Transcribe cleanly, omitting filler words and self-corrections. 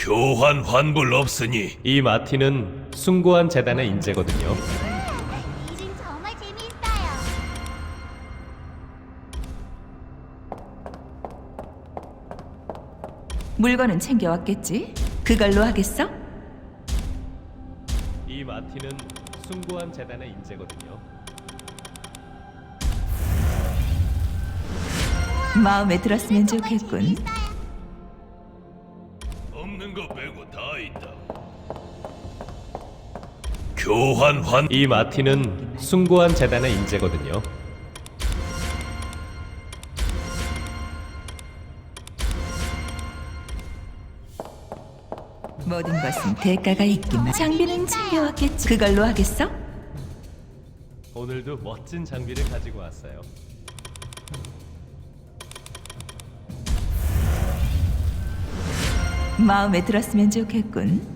교환 환불 없으니 이 마티는 숭고한 재단의 인재거든요. 이 중 정말 재미있어요. 물건은 챙겨왔겠지? 그걸로 하겠어? 이 마티는 숭고한 재단의 인재거든요. 마음에 들었으면 정말 좋겠군. 재미있어요. 없는 거 빼고 다 있다. 교환 환 이 마티는 숭고한 재단의 인재거든요. 모든 것은 대가가 있기만. 장비는 챙겨왔겠지? 그걸로 하겠어? 오늘도 멋진 장비를 가지고 왔어요. 마음에 들었으면 좋겠군.